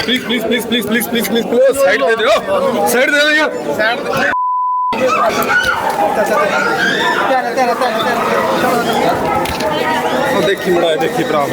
Please side दे दो, side दे दो यार, देखी बड़ा है, देखी भरा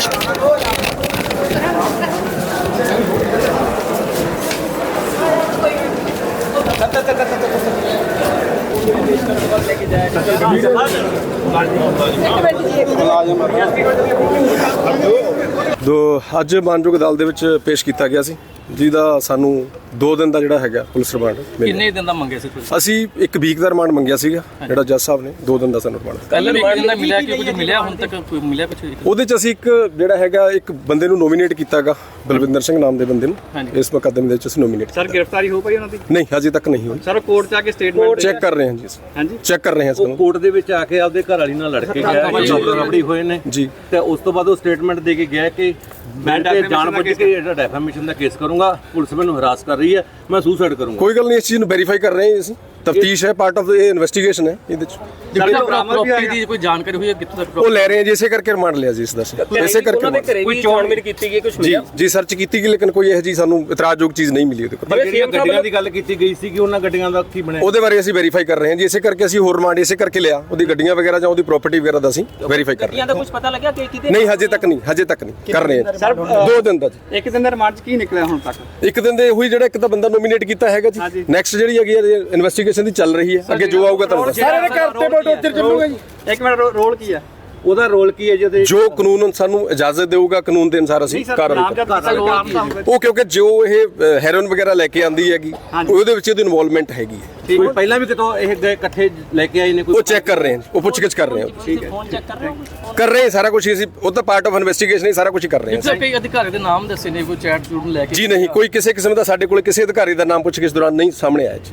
ਅੱਜ ਮਾਨਯੋਗ ਅਦਾਲਤ ਦੇ ਵਿੱਚ ਪੇਸ਼ ਕੀਤਾ ਗਿਆ ਸੀ, ਜਿਹਦਾ ਸਾਨੂੰ 2 ਦਿਨ ਦਾ ਜਿਹੜਾ ਹੈਗਾ ਪੁਲਿਸ ਰਿਮਾਂਡ ਮਿਲਿਆ। ਕਿੰਨੇ ਦਿਨ ਦਾ ਮੰਗਿਆ ਸੀ ਤੁਸੀਂ? ਅਸੀਂ 1 ਵੀਕ ਦਾ ਰਿਮਾਂਡ ਮੰਗਿਆ ਸੀਗਾ, ਜਿਹੜਾ ਜੱਜ ਸਾਹਿਬ ਨੇ 2 ਦਿਨ ਦਾ ਸਾਨੂੰ ਰਿਮਾਂਡ ਦਿੱਤਾ। ਕੱਲ ਰਿਮਾਂਡ ਦਾ ਮਿਲਿਆ ਕਿ ਕੁਝ ਮਿਲਿਆ ਹੁਣ ਤੱਕ ਕੋਈ ਮਿਲਿਆ ਕੁਝ? ਉਹਦੇ ਚ ਅਸੀਂ ਇੱਕ ਜਿਹੜਾ ਹੈਗਾ ਇੱਕ ਬੰਦੇ ਨੂੰ ਨੋਮੀਨੇਟ ਕੀਤਾਗਾ, ਬਲਵਿੰਦਰ ਸਿੰਘ ਨਾਮ ਦੇ ਬੰਦੇ ਨੂੰ ਇਸ ਮੁਕੱਦਮੇ ਦੇ ਵਿੱਚ ਅਸੀਂ ਨੋਮੀਨੇਟ। ਸਰ ਗ੍ਰਿਫਤਾਰੀ ਹੋ ਪਈ ਉਹਨਾਂ ਦੀ? ਨਹੀਂ, ਹਜੇ ਤੱਕ ਨਹੀਂ ਹੋਈ ਸਰ। ਕੋਰਟ ਚ ਆ ਕੇ ਸਟੇਟਮੈਂਟ ਚੈੱਕ ਕਰ ਰਹੇ ਹਾਂ ਜੀ। ਹਾਂਜੀ, ਚੈੱਕ ਕਰ ਰਹੇ ਹਾਂ ਇਸ ਨੂੰ। ਕੋਰਟ ਦੇ ਵਿੱਚ ਆ ਕੇ ਆਪਦੇ ਘਰ ਵਾਲੀ ਨਾਲ ਲੜ ਕੇ ਗਿਆ, ਰਬੜੀ ਹੋਏ ਨੇ ਜੀ, ਤੇ ਉਸ ਤੋਂ ਬਾਅਦ ਉਹ ਸਟੇਟਮੈਂਟ ਦੇ ਕੇ ਗਿਆ ਕਿ ਮੈਂ ਜਾਣਬੁੱਝ ਕੇ ਜਿਹੜਾ ਡੈਫਾਮੇਸ਼ਨ ਦਾ ਕੇਸ ਕਰੂੰਗਾ, ਪੁਲਿਸ ਮੈਨੂੰ ਹਰਾਸ ਕਰ ਰਹੀ ਹੈ, ਮੈਂ ਸੁਸਾਈਡ ਕਰੂੰਗਾ। ਕੋਈ ਗੱਲ ਨਹੀਂ, ਇਸ ਚੀਜ਼ ਨੂੰ ਵੈਰੀਫਾਈ ਕਰ ਰਹੇ ਹਾਂ ਅਸੀਂ। ਤਫਤੀਸ਼ ਹੈ, ਪਾਰਟ ਆਫ ਇਹ ਇਨਵੈਸਟੀਗੇਸ਼ਨ ਹੈ। ਇਹਦੇ ਚ ਪ੍ਰਾਪਰਟੀ ਦੀ ਕੋਈ ਜਾਣਕਾਰੀ ਹੋਈ ਹੈ ਕਿੱਥੋਂ ਤੱਕ? ਉਹ ਲੈ ਰਹੇ ਹਾਂ ਜੀ, ਇਸੇ ਕਰਕੇ ਰਿਮਾਂਡ ਲਿਆ ਜੀ ਇਸ ਦਾ। ਇਸੇ ਕਰਕੇ ਕੋਈ ਚੋਣਵੀਰ ਕੀਤੀ ਗਈ, ਕੁਝ ਜੀ ਸਰਚ ਕੀਤੀ ਗਈ, ਲੇਕਿਨ ਕੋਈ ਇਹੋ ਜੀ ਸਾਨੂੰ ਇਤਰਾਜ਼ਯੋਗ ਚੀਜ਼ ਨਹੀਂ ਮਿਲੀ ਉਹਦੇ ਕੋਲ। ਜਿਹੜੀਆਂ ਗੱਡੀਆਂ ਦੀ ਗੱਲ ਕੀਤੀ ਗਈ ਸੀ ਕਿ ਉਹਨਾਂ ਗੱਡੀਆਂ ਦਾ ਕੀ ਬਣਿਆ, ਉਹਦੇ ਬਾਰੇ ਅਸੀਂ ਵੈਰੀਫਾਈ ਕਰ ਰਹੇ ਹਾਂ ਜੀ। ਇਸੇ ਕਰਕੇ ਅਸੀਂ ਹੋਰ ਰਿਮਾਂਡ ਇਸੇ ਕਰਕੇ ਲਿਆ, ਉਹਦੀ ਗੱਡੀਆਂ ਵਗੈਰਾ ਜਾਂ ਉਹਦੀ ਪ੍ਰਾਪਰਟੀ ਵਗੈਰਾ ਦਾ ਅਸੀਂ ਵੈਰੀਫਾਈ ਕਰ ਰਹੇ ਹਾਂ। ਦਾ ਕੁਝ ਪਤਾ ਲੱਗਿਆ ਕਿ ਕਿਤੇ? ਨਹੀਂ, ਹਜੇ ਤੱਕ ਨਹੀਂ ਕਰ ਰਹੇ ਹਾਂ। 2 ਦਿਨ ਦਾ ਜੀ। 1 ਦਿਨ ਦਾ ਰਿਮਾਂਡ ਕੀ ਨਿਕਲਿਆ ਹੁਣ ਤੱਕ? 1 ਦਿਨ ਦੇ ਉਹੀ ਜਿਹੜਾ ਇੱਕ ਤਾਂ ਬੰਦਾ ਨੋਮੀਨੇਟ ਕੀਤਾ ਹੈਗਾ ਜੀ। ਨੈਕਸਟ ਜਿਹੜੀ ਹੈਗੀ ਇਨਵੈਸਟੀਗੇਸ਼ਨ ਦੀ ਚੱਲ ਰਹੀ ਹੈ, ਅੱਗੇ ਜੋ ਆਊਗਾ ਤੁਹਾਨੂੰ ਦੱਸਾਂਗੇ। ਸਾਰੇ ਘਰ ਤੇ ਬਲਡੋਜ਼ਰ ਚੱਲੂਗਾ ਜੀ। 1 ਮਿੰਟ, ਰੋਲ ਕੀ ਹੈ ਉਹਦਾ ਰੋਲ ਕੀ ਹੈ ਜਿਹਦੇ ਜੋ ਕਾਨੂੰਨ ਸਾਨੂੰ ਇਜਾਜ਼ਤ ਦੇਊਗਾ, ਕਾਨੂੰਨ ਦੇ ਅਨੁਸਾਰ ਅਸੀਂ ਕਾਰਵਾਈ ਕਰਾਂਗੇ। ਉਹ ਕਿਉਂਕਿ ਜੋ ਇਹ ਹੈਰੋਇਨ ਵਗੈਰਾ ਲੈ ਕੇ ਆਂਦੀ ਹੈਗੀ, ਉਹਦੇ ਵਿੱਚ ਇਹਦੀ ਇਨਵੋਲਵਮੈਂਟ ਹੈਗੀ ਹੈ। ਕੋਈ ਪਹਿਲਾਂ ਵੀ ਕਿਤੋਂ ਇਹ ਗਏ ਇਕੱਠੇ ਲੈ ਕੇ ਆਏ ਨੇ? ਕੋਈ ਉਹ ਚੈੱਕ ਕਰ ਰਹੇ ਹਾਂ, ਉਹ ਪੁੱਛਗਿੱਛ ਕਰ ਰਹੇ ਹਾਂ। ਠੀਕ ਹੈ, ਫੋਨ ਚੈੱਕ ਕਰ ਰਹੇ ਹੋ? ਕਰ ਰਹੇ ਹਾਂ ਸਾਰਾ ਕੁਝ ਅਸੀਂ, ਉਹ ਤਾਂ ਪਾਰਟ ਆਫ ਇਨਵੈਸਟੀਗੇਸ਼ਨ ਹੀ ਸਾਰਾ ਕੁਝ ਕਰ ਰਹੇ ਹਾਂ। ਕਈ ਅਧਿਕਾਰੀ ਦੇ ਨਾਮ ਦੱਸੇ ਨੇ, ਕੋਈ ਚੈਟ ਚੂਟ ਲੈ ਕੇ? ਜੀ ਨਹੀਂ, ਕੋਈ ਕਿਸੇ ਕਿਸਮ ਦਾ ਸਾਡੇ ਕੋਲ ਕਿਸੇ ਅਧਿਕਾਰੀ ਦਾ ਨਾਮ ਪੁੱਛਗਿੱਛ ਦੌਰਾਨ ਨਹੀਂ ਸਾਹਮਣੇ ਆਇਆ ਜੀ।